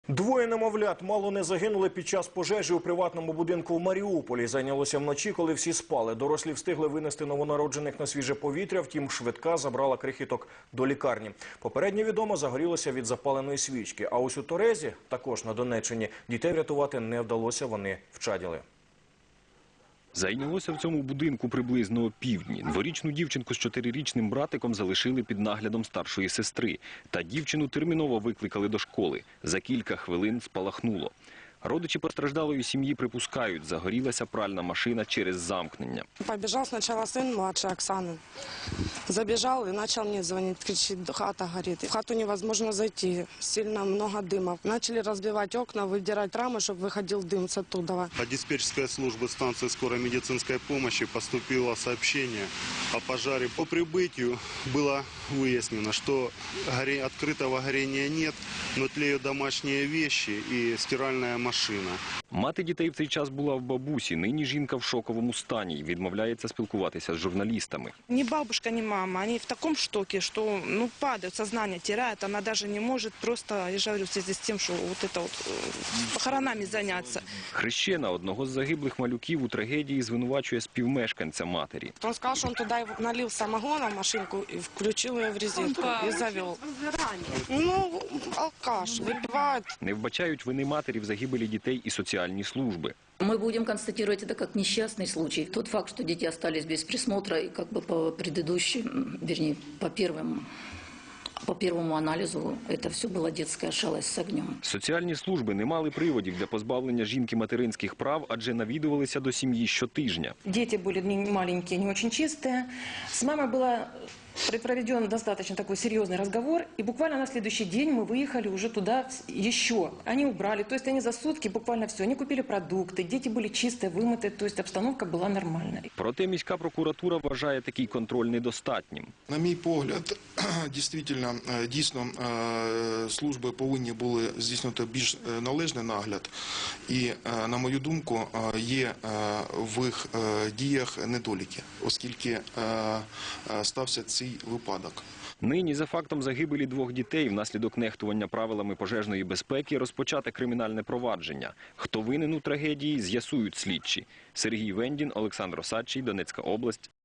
Двоє немовлят мало не загинули під час пожежі у приватному будинку в Маріуполі. Зайнялося вночі, коли всі спали. Дорослі встигли винести новонароджених на свіже повітря, втім швидка забрала крихіток до лікарні. Попередньо відомо, загорілося від запаленої свічки. А ось у Торезі, також на Донеччині, дітей врятувати не вдалося, вони вчаділи. Зайнялося в цьому будинку приблизно опівдні. Дворічну дівчинку з 4-річним братиком залишили під наглядом старшої сестри. Та дівчину терміново викликали до школи. За кілька хвилин спалахнуло. Родичі постраждалої сім'ї припускають, загорілася пральна машина через замкнення. Побежал сначала сын младший Оксаны. Забежал и начал мне звонить, кричит: хата горит. В хату невозможно зайти, сильно много дыма. Начали разбивать окна, выдирать рамы, чтобы выходил дым с оттуда. От диспетчерской службы станции скорой медицинской помощи поступило сообщение о пожаре. По прибытию было выяснено, что открытого горения нет, но тлеют домашние вещи и стиральная машина. Мати дітей в цей час була в бабусі. Нині жінка в шоковому стані і відмовляється спілкуватися з журналістами. Ни бабушка, ни мама, они в таком шоке, что падают, сознание теряют. Она даже не может просто, я же говорю, в связи с тем, что похоронами заняться. Хрещена одного з загиблих малюків у трагедії звинувачує співмешканця матері. Он сказал, что он туда налил самогона в машинку и включил ее в резинку и завел. Ну, алкаш, выпивает. Не вбачають вини матері в загибелі дітей і соціальні служби. Мы будем констатировать это как несчастный случай. Тот факт, что дети остались без присмотра, и как бы по предыдущим, вернее, по первому анализу, это все была детская шалость с огнем. Соціальні служби не мали приводів для позбавлення жінки материнських прав, адже навідувалися до сім'ї щотижня. Дети были не маленькие, не очень чистые. С мамой было проведен достаточно такой серьезный разговор, и буквально на следующий день мы выехали уже туда еще. Они убрали, то есть они за сутки буквально все, они купили продукты, дети были чистые, вымытые, то есть обстановка была нормальной. Проте міська прокуратура вважає такий контроль недостатнім. На мій погляд, дійсно, служби повинні були здійснити більш належний нагляд. І, на мою думку, є в їх діях недоліки, оскільки стався цей випадок. Нині за фактом загибелі двох дітей внаслідок нехтування правилами пожежної безпеки розпочате кримінальне провадження. Хто винен у трагедії, з'ясують слідчі. Сергій Вендін, Олександр Осадчий, Донецька область.